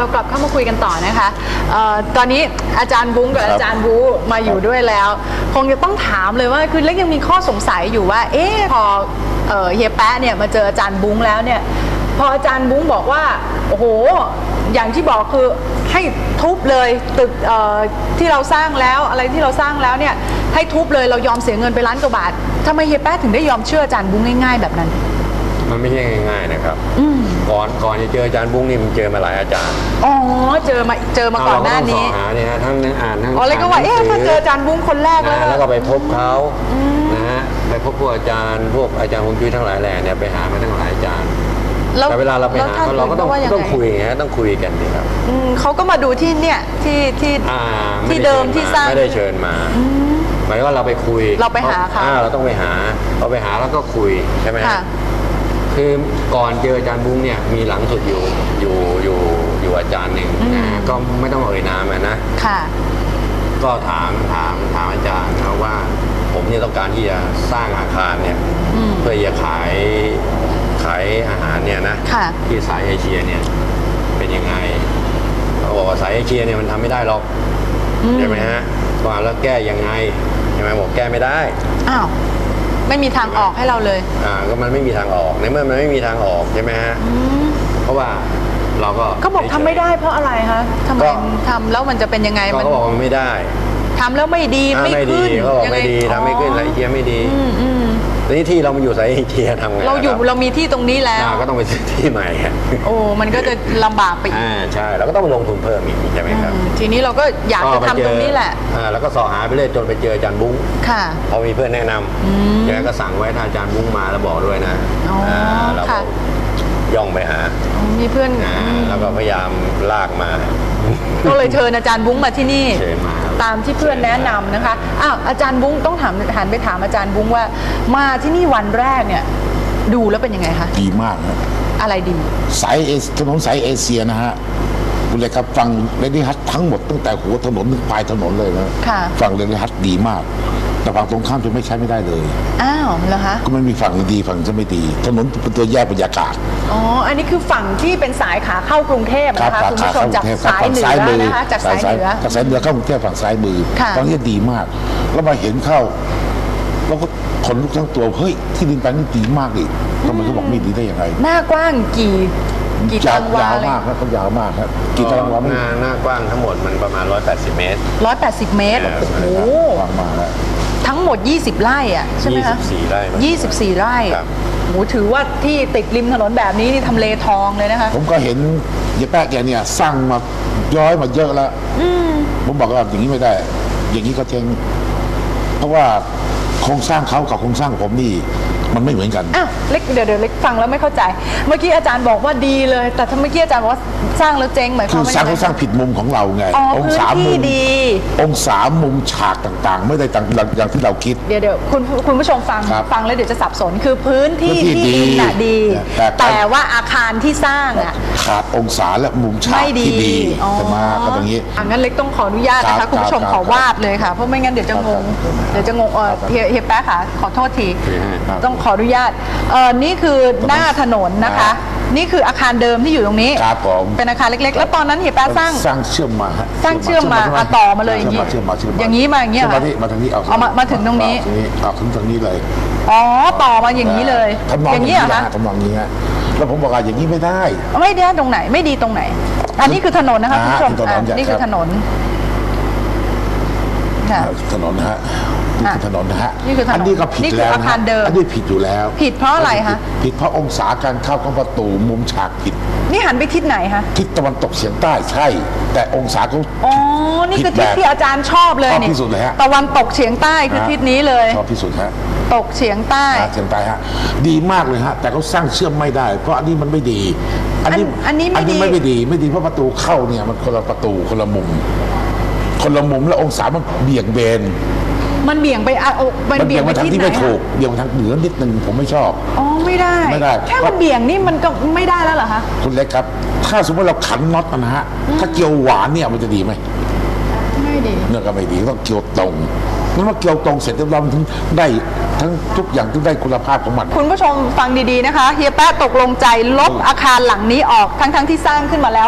กลับเข้ามาคุยกันต่อนะคะตอนนี้อาจารย์บุ้งกับอาจารย์บูมาอยู่ด้วยแล้วคงจะต้องถามเลยว่าคือเล็กยังมีข้อสงสัยอยู่ว่าพอเฮียแป๊ะเนี่ยมาเจออาจารย์บุ้งแล้วเนี่ยพออาจารย์บุ้งบอกว่าโอ้โหอย่างที่บอกคือให้ทุบเลยตึกที่เราสร้างแล้วอะไรที่เราสร้างแล้วเนี่ยให้ทุบเลยเรายอมเสียเงินไปล้านกว่าบาททำไมเฮียแป๊ะถึงได้ยอมเชื่ออาจารย์บุ้งง่ายๆแบบนั้นมันไม่ใช่ง่ายๆนะครับก่อนจะเจออาจารย์บุ้งนี่มันเจอมาหลายอาจารย์อ๋อเจอมาก่อนหน้านี้หาเนี่ยฮะทั้งอ่านทั้งเลยก็ว่าถ้าเจออาจารย์บุ้งคนแรกแล้วก็ไปพบเขานะฮะไปพบพวกอาจารย์ฮวงจุ้ยทั้งหลายแหล่เนี่ยไปหามาทั้งหลายอาจารย์แต่เวลาเราไปหาเราก็ต้องคุยฮะต้องคุยกันนี่ครับเขาก็มาดูที่เนี่ยที่เดิมที่สร้างไม่ได้เชิญมาหมายว่าเราไปคุยเราไปหาเขาเราต้องไปหาเราไปหาแล้วก็คุยใช่ไหมคือก่อนเจออาจารย์บุ้งเนี่ยมีหลังสุดอยู่อาจารย์หนึ่งนะก็ไม่ต้องเอ่ยนามนะก็ถามอาจารย์นะว่าผมเนี่ยต้องการที่จะสร้างอาคารเนี่ยเพื่อจะขายอาหารเนี่ยนะที่สายเอเชียเนี่ยเป็นยังไงเขาบอกว่าสายเอเชียเนี่ยมันทำไม่ได้หรอกใช่ไหมฮะว่าแล้วแก้ยังไงใช่ไหมบอกแก้ไม่ได้อ้าวไม่มีทางออกให้เราเลยก็มันไม่มีทางออกในเมื่อมันไม่มีทางออกใช่ไหมฮะเพราะว่าเราก็บอกทำไม่ได้เพราะอะไรคะทำไมทำแล้วมันจะเป็นยังไงมันก็บอกมันไม่ได้ทำแล้วไม่ดีไม่ขึ้นเขาบอกไม่ดีทำไม่ขึ้นสายเอเชียไม่ดีทีนี้ที่เรามาอยู่สายเอเชียทำไงเรามีที่ตรงนี้แล้วก็ต้องไปซื้อที่ใหม่โอ้มันก็จะลำบากไปอีกใช่เราก็ต้องลงทุนเพิ่มอีกใช่ไหมครับทีนี้เราก็อยากจะทำตรงนี้แหละแล้วก็สอหาไปเรื่อยจนไปเจออาจารย์บุ้งพอมีเพื่อนแนะนำแกก็สั่งไว้ถ้าอาจารย์บุ้งมาแล้วบอกด้วยนะเราย่องไปหามีเพื่อนแล้วก็พยายามลากมาก็เลยเชิญอาจารย์บุ้งมาที่นี่ตามที่เพื่อนแนะนำนะคะอาจารย์บุ้งต้องหันไปถามอาจารย์บุ้งว่ามาที่นี่วันแรกเนี่ยดูแล้วเป็นยังไงคะดีมากนะอะไรดีถนนสายเอเชียนะฮะคุณเลยครับฟังเรนนี่ฮัททั้งหมดตั้งแต่หัวถนนถึงปลายถนนเลยนะฟังเรนนี่ฮัทดีมากแต่ฝั่งตรงข้ามจะไม่ใช้ไม่ได้เลยอ้าวเหรอคะก็มันมีฝั่งดีฝั่งจะไม่ดีถนนเป็นตัวแยกบรรยากาศอันนี้คือฝั่งที่เป็นสายขาเข้ากรุงเทพนะคะคุณผู้ชมจากสายเหนือนะคะจากสายเหนือเข้ากรุงเทพฝั่งซ้ายมือตอนนี้ดีมากแล้วมาเห็นเข้าแล้วก็ขนลุกทั้งตัวเฮ้ยที่ดินแปลงนี้ดีมากอีกทำไมเขาบอกไม่ดีได้ยังไงหน้ากว้างกี่ตารางวายาวมากครับเขายาวมากครับกี่ตารางวาหน้ากว้างทั้งหมดมันประมาณ180 เมตร 180 เมตรโอ้โหกว้างมากแล้วทั้งหมด20 ไร่อ่ะใช่ไหมคะ 24 ไร่ 24 ไร่โหถือว่าที่ติดริมถนนแบบนี้นี่ทำเลทองเลยนะคะผมก็เห็นยายแป๊ะแกเนี่ยสร้างมาย้อยมาเยอะแล้วผมบอกว่าอย่างนี้ไม่ได้อย่างนี้ก็เจ๊งเพราะว่าโครงสร้างเขากับโครงสร้างผมนี่มันไม่เหมือนกันเล็กเดี๋ยวเล็กฟังแล้วไม่เข้าใจเมื่อกี้อาจารย์บอกว่าดีเลยแต่ถ้าเมื่อกี้อาจารย์บอกว่าสร้างแล้วเจ๊งหมายความว่าสร้างผิดมุมของเราไงองศามุมองศามุมฉากต่างๆไม่ได้อย่างที่เราคิดเดี๋ยวคุณผู้ชมฟังแล้วเดี๋ยวจะสับสนคือพื้นที่ที่ดินดีแต่ว่าอาคารที่สร้างขาดองศาและมุมฉากที่ดีจะมาก็อย่างนี้งั้นเล็กต้องขออนุญาตนะคะคุณผู้ชมขอวาดเลยค่ะเพราะไม่งั้นเดี๋ยวจะงงเฮียแป๊ะค่ะขอโทษทีต้องขออนุญาตนี่คือหน้าถนนนะคะนี่คืออาคารเดิมที่อยู่ตรงนี้ครับผมเป็นอาคารเล็กๆแล้วตอนนั้นเฮียแป๊ะสร้างเชื่อมมาต่อมาเลยอย่างนี้อย่างนี้มาอย่างนี้มาทางนี้เอามาถึงตรงนี้ถึงตรงนี้เลยต่อมาอย่างนี้เลยอย่างนี้เหรอคะทำนองนี้ฮะแล้วผมบอกว่าอย่างนี้ไม่ได้ตรงไหนไม่ดีตรงไหนอันนี้คือถนนนะคะคุณผู้ชมนี่คือถนนถนนนะฮะนี่คือถนนนะฮะอันนี้ก็ผิดแล้วนะอันนี้ผิดอยู่แล้วผิดเพราะอะไรคะผิดเพราะองศาการเข้าของประตูมุมฉากผิดนี่หันไปทิศไหนคะทิศตะวันตกเฉียงใต้ใช่แต่องศาเขานี่คือทิศที่อาจารย์ชอบเลยนี่ที่สุดเลยฮะตะวันตกเฉียงใต้คือทิศนี้เลยชอบที่สุดฮะตกเฉียงใต้ฮะดีมากเลยฮะแต่เขาสร้างเชื่อมไม่ได้เพราะอันนี้มันไม่ดีอันนี้ไม่ดีเพราะประตูเข้าเนี่ยมันคนละประตูคนละมุมแล้วองศามันเบี่ยงเบนมันเบี่ยงไปมันเบี่ยงไปทางที่ไม่ถูกเบี่ยงทางเหนือนิดนึงผมไม่ชอบไม่ได้แค่มันเบี่ยงนี่มันก็ไม่ได้แล้วเหรอคะคุณเล็กครับถ้าสมมติเราขันน็อตนะฮะถ้าเกี่ยวหวานเนี่ยมันจะดีไหมไม่ดีเนื้อก็ไม่ดีต้องเกี่ยวตรงมันว่าเกี่ยวตรงเสร็จแล้วมันถึงได้ทั้งทุกอย่างถึงได้คุณภาพของมันคุณผู้ชมฟังดีๆนะคะเฮียแป๊ะตกลงใจลบอาคารหลังนี้ออกทั้งที่สร้างขึ้นมาแล้ว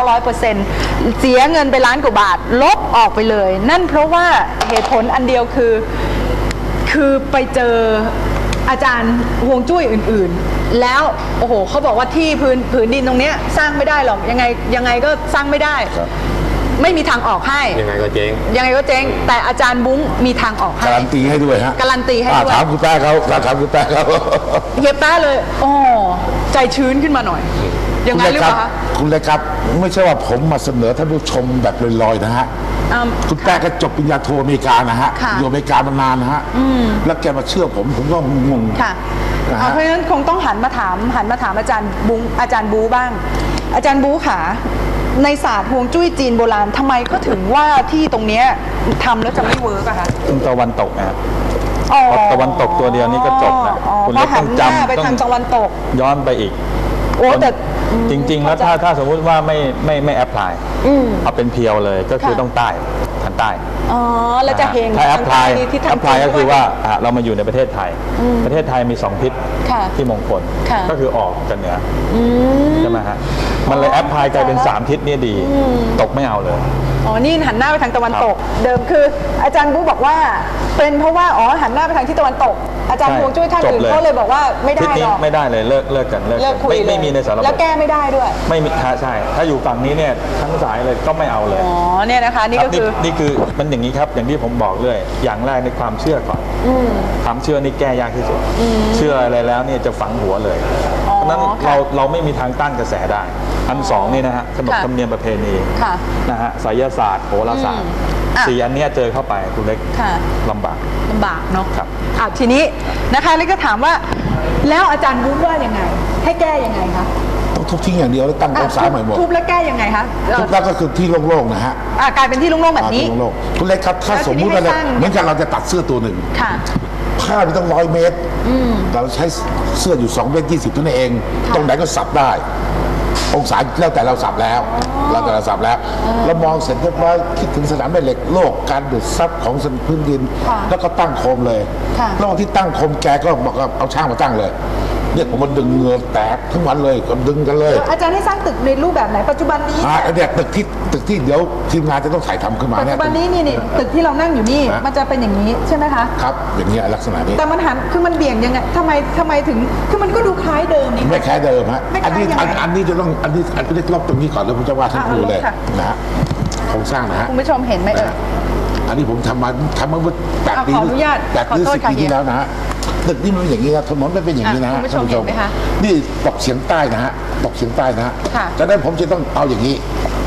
100%เสียเงินไปล้านกว่าบาทลบออกไปเลย นั่นเพราะว่าเหตุผลอันเดียวคือไปเจออาจารย์ฮวงจุ้ยอื่นๆ แล้วโอ้โหเขาบอกว่าที่ผืนดินตรงเนี้ยสร้างไม่ได้หรอกยังไงก็สร้างไม่ได้ ไม่มีทางออกให้ยังไงก็เจ๊งยังไงก็เจ๊งแต่อาจารย์บุ้งมีทางออกให้การันตีให้ด้วยฮะการันตีให้ด้วยถามคุณแป๊ะเขาถามคุณแป๊ะเขาเฮียแป๊ะเลยอ๋อใจชื้นขึ้นมาหน่อยยังไงหรือเปล่าคะคุณเลยครับไม่ใช่ว่าผมมาเสนอท่านผู้ชมแบบลอยๆนะฮะคุณแป๊ะก็จบปริญญาโทอเมริกานะฮะค่ะอยู่อเมริกามานานนะฮะแล้วแกมาเชื่อผมก็งงค่ะนะฮะเพราะฉะนั้นคงต้องหันมาถามอาจารย์บูบ้าง อาจารย์บูขาในศาสตร์ฮวงจุ้ยจีนโบราณทำไมก็ถึงว่าที่ตรงเนี้ยทำแล้วจะไม่เวิร์กอะคะตะวันตกนะครับอ๋อเพราะตะวันตกตัวเดียวนี่ก็จบนะอ๋อคุณเพเล็ราะกหัต้นองหน้าจำไปต้อทางงตะวันตกย้อนไปอีกโอ้แต่จริง ๆ แล้วถ้าสมมุติว่าไม่แอพพลายเอาเป็นเพียวเลยก็คือค่ะต้องใต้ทางใต้อ๋อแล้วจะเฮงถ้าแอพพลายที่แอทางพพลายจีนก็คือด้วยว่าเรามาอยู่ในประเทศไทย ประเทศไทยมี2ทิศค่ะที่มงคลค่ะก็คือออกกับเหนืออใช่ไหมฮะมันเลยแอพพลายกลายเป็น3ทิศเนี่ยดีตกไม่เอาเลยอ๋อนี่หันหน้าไปทางตะวันตก เดิมคืออาจารย์บูบอกว่าเป็นเพราะว่าหันหน้าไปทางที่ตะวันตก อาจารย์ใช่ฮวงจุ้ยท่านอื่นจบเลยเขาเลยบอกว่าไม่ทิศได้นี้หรอกไม่ได้เลยเลิกกันเลิกคุยเลยไม่มีในสารบแล้วแก้ไม่ได้ด้วยไม่มีใช่ ถ้าอยู่ฝั่งนี้เนี่ยทั้งสายเลยก็ไม่เอาเลยอ๋อเนี่ยนะคะนี่ครัก็บคือนี่คือมันอย่างนี้ครับอย่างที่ผมบอกเลยอย่างแรกในความเชื่อก่อนความเชื่อนี่แก้ยากที่สุดเชื่ออะไรแล้วเนี่ยจะฝังหัวเลยอ๋อเพราะฉะนั้นค่ะเราไม่มีทางต้านกระแสได้อันสองนี่นะฮะขนบค่ะธรรมเนียมประเพณีค่ะนะฮะไสยศาสตร์โหราศาสตร์อ่ะ 4 อันเนี้ยเจอเข้าไปคุณเล็กค่ะลำบากลำบากเนาะครับทีนี้นะคะแล้วก็ถามว่าแล้วอาจารย์บูว่ายังไง ให้แก้ยังไงคะต้องทุบทิ้งอย่างเดียวแล้วตั้งองศาใหม่หมดทุบแล้วแก้ยังไงคะทุบแล้วก็คือที่โล่งๆนะฮะกลายเป็นที่โล่งๆแบบนี้ที่โล่งๆคุณเล็กครับถ้าสมมุติว่าแล้วทีนี้ให้สร้างเหมือนกันเราจะตัดเสื้อตัวหนึ่งค่ะผ้ามันต้อง100 เมตรเราใช้เสื้ออยู่2 เมตร 20เท่านั้นเอง ตรงไหนก็สับได้ องศาแล้วแต่เราสับแล้วแล้วแต่เราสับแล้วเรามองเสร็จเรียบร้อยคิดถึงสนามแม่เหล็กโลกการดูดซับของพื้นดินค่ะแล้วก็ตั้งโคมเลยค่ะระหว่างที่ตั้งโคมแกก็บอกว่าเอาช่างมาตั้งเลยเนี่ยผมมันดึงเหงือแตกทั้งวันเลยก็ดึงกันเลยอาจารย์ให้สร้างตึกในรูปแบบไหนปัจจุบันนี้เนี่ยตึกที่เดี๋ยวทีมงานจะต้องถ่ายทำขึ้นมาปัจเนี่ยจุบันนี้นี่ตึกที่เรานั่งอยู่นี่ฮะมันจะเป็นอย่างนี้ใช่ไหมคะครับอย่างเงี้ยลักษณะนี้แต่มันหันคือมันเบี่ยงยังไงทำไมถึงคือมันก็ดูคล้ายเดิมนี่ไม่แค่เดิมฮะไม่คล้ายยังไงอันนี้จะต้องอันนี้ลบตรงนี้ก่อนแล้วผมจะว่าท่านครูเลยค่ะนะฮะโครงสร้างนะฮะคุณผู้ชมเห็นไหมเอ่ยอันนี้ผมทำมาเมื่อ8 ปีขออนุญาต 8 ปีขอโทษ 10 ค่ะปีที่แล้วนะฮะตึกนี่มันเป็นอย่างนี้นะถนนมันเป็นอย่างนี้นะฮะคุณผู้ชมเห็นไหมคะนี่ตกเฉียงใต้นะฮะตกเฉียงใต้นะฮะค่ะจากนั้นผมจะต้องเอาอย่างนี้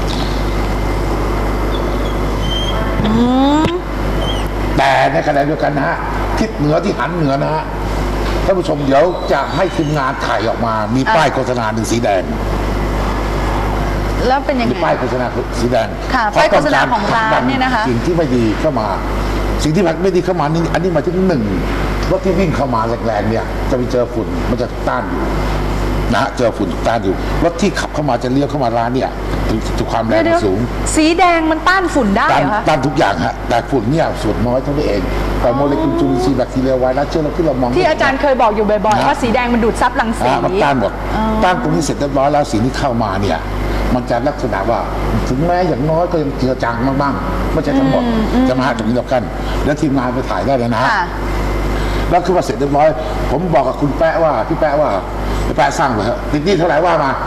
แต่ในขณะเดียวกันนะฮะทิศเหนือที่หันเหนือนะฮะท่านผู้ชมเดี๋ยวจะให้ทีมงานถ่ายออกมามีป้ายโฆษณาหนึ่งสีแดงแล้วเป็นยังมีไงป้ายโฆษณาสีแดงค่ะป้ายโฆษณาของร้านเนี่ยนะคะสิ่งที่ไม่ดีเข้ามา สิ่งที่ไม่ดีเข้ามานี่อันนี้หมายถึง1รถที่วิ่งเข้ามาแรงๆเนี่ยจะไปเจอฝุ่นมันจะต้านอยู่นะฮะเจอฝุ่นต้านอยู่รถที่ขับเข้ามาจะเลี้ยวเข้ามาร้านเนี่ยถูกความแรงมันสูงสีแดงมันต้านฝุ่นได้ต้านเหรอคะต้านทุกอย่างฮะแต่ฝุ่นเนี่ยส่วนน้อยเท่านั้นเองแต่โมเลกุลจุลินทรีย์แบคทีเรียไวรัสเชื้อโรคที่เรามองที่อาจารย์เคยบอกอยู่บ่อยๆนะว่าสีแดงมันดูดซับรังสีมันต้านหมดต้านตรงนี้เสร็จเรียบร้อยแล้วสิ่งที่เข้ามาเนี่ยมันจะลักษณะว่าถึงแม้อย่างน้อยก็ยังเจือจางบ้างๆไม่ใช่ทั้งหมดจะมาหาตรงนี้เรากัน แล้วทีมงานไปถ่ายได้เลยนะฮะค่ะแล้วคือว่าเสร็จเรียบร้อยผมบอกกับคุณแป๊ะว่าพี่แป๊ะว่าพี่แป๊ะสร้างเลยฮะติดหนี้เท่าไหร่ว่ามา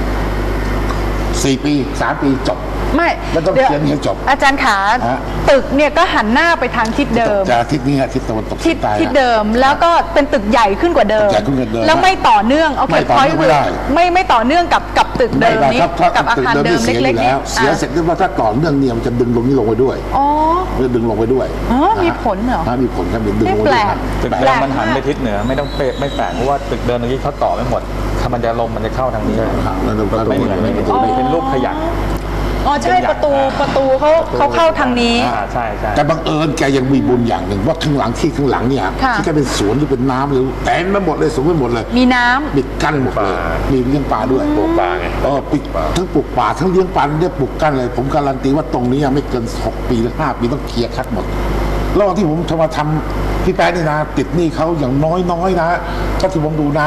4 ปี 3 ปีจบไม่แล้วต้องดี๋วเขียนให้จบอาจารย์ขาฮะตึกเนี่ยก็หันหน้าไปทางทิศเดิมจะทิศนี้ฮะทิศตะวันตกทิศใต้ฮะทิศเดิมแล้วก็เป็นตึกใหญ่ขึ้นกว่าเดิมตึกใหญ่ขึ้นกว่าเดิมแล้วไม่ต่อเนื่องโอเคไม่ต่อเนื่องไม่ได้ไม่ต่อเนื่องกับตึกเดิมไม่ได้นี้ครับถ้ากับอาตึกคารเดิมเดินี่มเสียอเล็กยู่ๆแล้วนี้เสียเสร็จเรียบร้อยถ้าต่อเนื่องเนี่ยมันจะดึงลงนี้ลงไปด้วยอ๋อมันจะดึงลงไปด้วยอ๋อนะฮะมีผลเหรอมีผลครับดึงลงไปแปด้ลวยกครับตึกแปลเดิกมมันหันไปทิศเหนือไม่ต้องเป๊ะไม่แปลกเพราะว่าตึกเดิมเมื่อกี้เขาต่อไม่หมดถ้ามันจะลมมันจะเข้าทางนี้แล้วเราก็ลไม่งเหมือนไม่ไปเป็นรูปขยักอ๋อใช่ประตูเขาเข้าทางนี้ใช่ใช่แต่บังเอิญแกยังมีบุญอย่างหนึ่งว่าข้างหลังเนี่ยค่ะที่แกเป็นสวนหรือเป็นน้ำหรือเต็มไปหมดเลยสูงไปหมดเลยมีน้ำปิดกั้นหมดเลยมีเลี้ยงปลาด้วยปลูกปลาไงปิดทั้งปลูกป่าทั้งเลี้ยงปลาเนี่ยปลูกกั้นเลย ผมการันตีว่าตรงนี้ยังไม่เกิน6 ปีหรือ5 ปีต้องเคลียร์คัดหมดระหว่างที่ผมจะมาทำพี่แป๊ะนี่นะติดหนี้เขาอย่างน้อยๆนะถ้าที่ผมดูนะ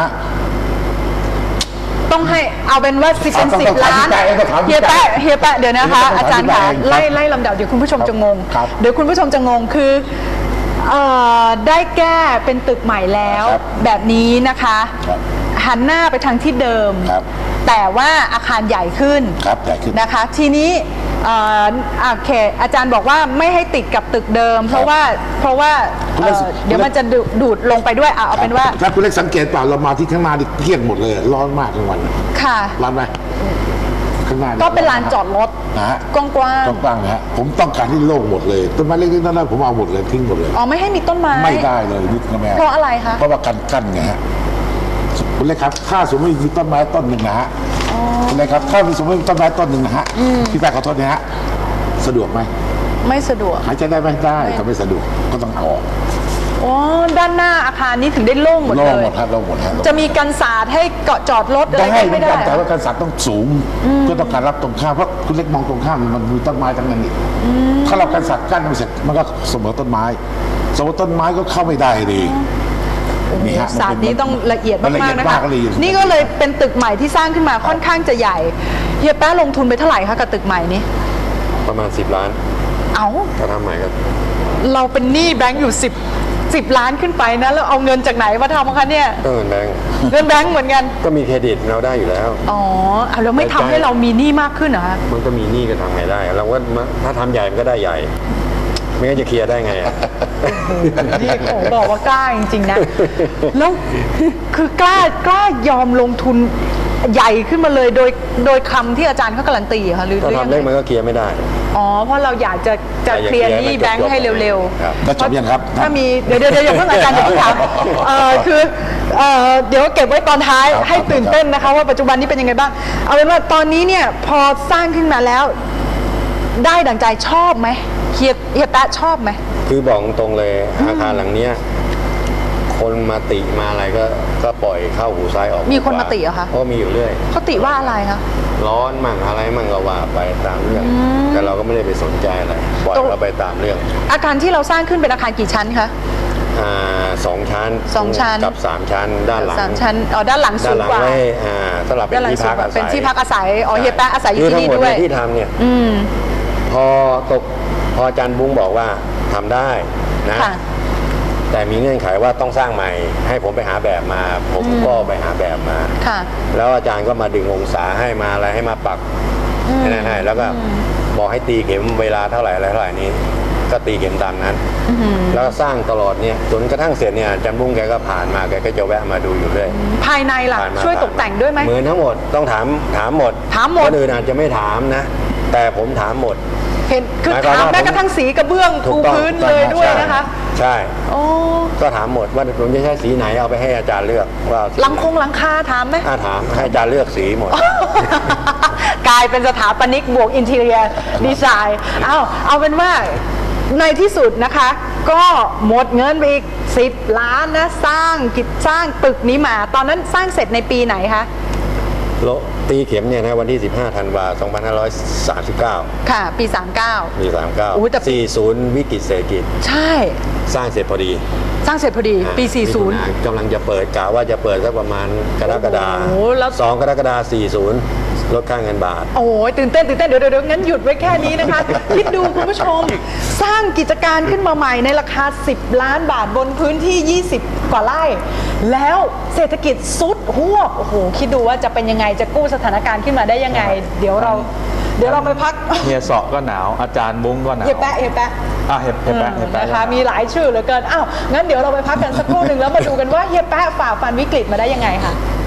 ต้องให้เอาเป็นว่าเป็นต้อง 10 ล้านต้องเฮียแปะเดี๋ยวนะคะต้องอาจารย์ต้องค่ะต้องไล่ลำดับเดี๋ยวคุณผู้ชมจะงงครับเดี๋ยวคุณผู้ชมจะงงคือได้แก้เป็นตึกใหม่แล้วครับแบบนี้นะคะครับหันหน้าไปทางที่เดิมครับแต่ว่าอาคารใหญ่ขึ้นครับใหญ่ขึ้นนะคะ ทีนี้โอเคอาจารย์บอกว่าไม่ให้ติดกับตึกเดิม เพราะว่าคุณเล็กเดี๋ยวมันจะดูดลงไปด้วยเอาเป็นว่าถ้าคุณเล็กสังเกตเปล่าเรามาที่ข้างหน้านี่เกลี้ยงหมดเลยร้อนมากกลางวันค่ะร้อนไหมข้างหน้าก็เป็นลานจอดรถนะฮะกว้างกว้างๆนะฮะผมต้องการที่โล่งหมดเลยต้นไม้เล็กๆนั่นผมเอาหมดเลยทิ้งหมดเลยอ๋อไม่ให้มีต้นไม้ไม่ได้เลยนิดก็ไม่ได้เพราะอะไรคะเพราะว่ากั้นไงฮะคุณเล็กครับถ้าสมมติมีต้นไม้ต้นหนึ่งนะฮะคุณเล็กครับถ้าสมมติมีต้นไม้ต้นหนึ่งนะฮะพี่แป๊ะขอโทษนะฮะสะดวกไหมไม่สะดวกหายใจได้ไหมได้แต่ไม่สะดวกก็ต้องเอาออกอ๋อด้านหน้าอาคารนี้ถึงได้โล่งหมดโล่เลงหมยดครับโล่งหมดครับจะมีกันศาสตร์ให้เกาะจอดรถอะไรได้ก็เหมืไม่อนได้กันแต่ว่าการสัตว์ต้องสูงเพื่อต้องการรับตรงข้ามเพราะคุณเล็กมองตรงข้ามมันมีต้นไม้ทั้งนั้นนี่ถ้าเราการสัตว์กั้นไม่เสร็จมันก็เสมอต้นไม้เสมอต้นไม้ก็เข้าไม่ได้ดีนี่ฮะศาสตร์นี้ต้องละเอียดมันละมาเอีกยดๆนะมาคะกเลยนี่ก็เลยเป็นตึกใหม่ที่สร้างขึ้นมาค่อนข้างจะใหญ่เฮียแป๊ะลงทุนไปเท่าไหร่คะกับตึกใหม่นี้ประมาณ10 ล้านเอาถ้าทำใหม่ก็เราเป็นหนี้แบงก์อยู่10 ล้านขึ้นไปนะแล้วเอาเงินจากไหนมาทำคะเนี่ยก็เงินแบงก์เงินแบงก์เหมือนกันก็มีเครดิตเราได้อยู่แล้วอ๋อเอาแล้วไม่ทำให้เรามีหนี้มากขึ้นเหรอคะมันก็มีหนี้ก็ทำไงได้ เราก็ถ้าทำใหญ่มันก็ได้ใหญ่ ไม่งั้นจะเคลียร์ได้ไงอะนี่ผมบอกว่ากล้าจริงๆนะ แล้วคือกล้ายอมลงทุนใหญ่ขึ้นมาเลยโดยคำที่อาจารย์เขาการันตีเหรอคะหรือถ้ายัทำงเล็กไงมันก็เคลียร์ไม่ได้อ๋อเพราะเราอยากจะเคลียร์หนี้แบงค์ให้เร็วครับแล้วจบยังครับถ้ามีเดี๋ยวอย่าเพิ่งอาจารย์อย่าเพิ่งถามคือเดี๋ยวเก็บไว้ตอนท้ายครับให้ตื่นเต้นนะคะว่าปัจจุบันนี้เป็นยังไงบ้าง เอาเป็นว่าตอนนี้เนี่ยพอสร้างขึ้นมาแล้ว ได้ดั่งใจชอบไหมเฮียแป๊ะชอบไหมคือบอกตรงเลยอาคารหลังเนี้ยคนมาติมาอะไรก็ปล่อยเข้าหูซ้ายออกหูขวามีคนมาติเหรอคะก็มีอยู่เรื่อยเขาติว่าอะไรคะร้อนมั่งอะไรมั่งก็ว่าไปตามเรื่อง แต่เราก็ไม่ได้ไปสนใจอะไรปล่อยตรงเราไปตามเรื่องอาคารที่เราสร้างขึ้นเป็นอาคารกี่ชั้นคะ 2 ชั้น 2 ชั้นกับ 3 ชั้นด้านหลัง 3 ชั้นด้านหลังด้าสูนงหลังกว่าไว้สำหรับเป็นด้านหลังที่สูพังกกว่าอาศัยเป็นที่พักอาศัยอ๋อเฮียแป๊ะอาศัยอยู่ที่นี่คือทั้งหมด้วยที่ทำเนี่ยอืมพออาจารย์บุ้งบอกว่าทำได้นะค่ะแต่มีเงื่อนไขว่าต้องสร้างใหม่ ให้ผมไปหาแบบมา ผมก็ไปหาแบบมาค่ะแล้วอาจารย์ก็มาดึงองศาให้มาอะไรให้มาปักให้นั่นให้แล้วก็บอกให้ตีเข็มเวลาเท่าไหร่อะไรเท่าไหร่นี้ ก็ตีเข็มตามนั้น แล้วก็สร้างตลอดเนี่ยจนกระทั่งเสร็จเนี่ยอาจารย์บุ้งแกก็ผ่านมาแกก็จะแวะมาดูอยู่เรื่อยภายในล่ะผ่านมาช่วยตกแต่งด้วยไหมเหมือนทั้งหมดต้องถามหมดถามหมดคนอื่นอาจจะไม่ถามนะ แต่ผมถามหมดเห็นคือหมายความถามว่าแม้กระทั่งสีกระเบื้องถูปูกต้องพื้นเลยด้วยนะคะใช่โอ้ก็ถามหมดว่าผมจะใช้สีไหนเอาไปให้อาจารย์เลือกว่าเอาสีหลังคงหลังคาถามไหมถามให้อาจารย์เลือกสีหมดกลายเป็นสถาปนิกบวกอินทีเรียดีไซน์เอาเป็นว่าในที่สุดนะคะ ก็หมดเงินไปอีก10 ล้านนะสร้างตึกนี้มา ตอนนั้นสร้างเสร็จในปีไหนคะโลตีเข็มเนี่ยนะวันที่ 15 ธันวาคม 2539 ค่ะ ปีมีอุ๊ยแต่ 39 40 วิกฤตเศรษฐกิจ 39 ใช่สร้างเสร็จพอดีสร้างเสร็จพอดีปีมิถุนายนกำลังจะเปิดกะว่าจะเปิดสักประมาณกรกฎาโอ้โหแล้ว 2 กรกฎาคม 40 ลดค่าเงินบาท 40 โอ้ยตื่นเต้นเดี๋ยวงั้นหยุดไว้แค่นี้นะคะ คิดดูคุณผู้ชม สร้างกิจการขึ้นมาใหม่ในราคา10 ล้านบาทบนพื้นที่ 20 กว่าไร่ แล้วเศรษฐกิจซุดหวบโอ้โหคิดดูว่าจะเป็นยังไงจะกู้สถานการณ์ขึ้นมาได้ยังไง เดี๋ยวเราไปพักเฮียเสาะก็หนาวอาจารย์บุ้งก็หนาวเฮียแปะเฮียแปะเฮียแปะนะคะมีหลายชื่อเหลือเกินงั้นเดี๋ยวเราไปพักกันสักครู่หนึ่งแล้วมาดูกันว่าเฮียแปะฝ่าฟันวิกฤตมาได้ยังไงค่ะ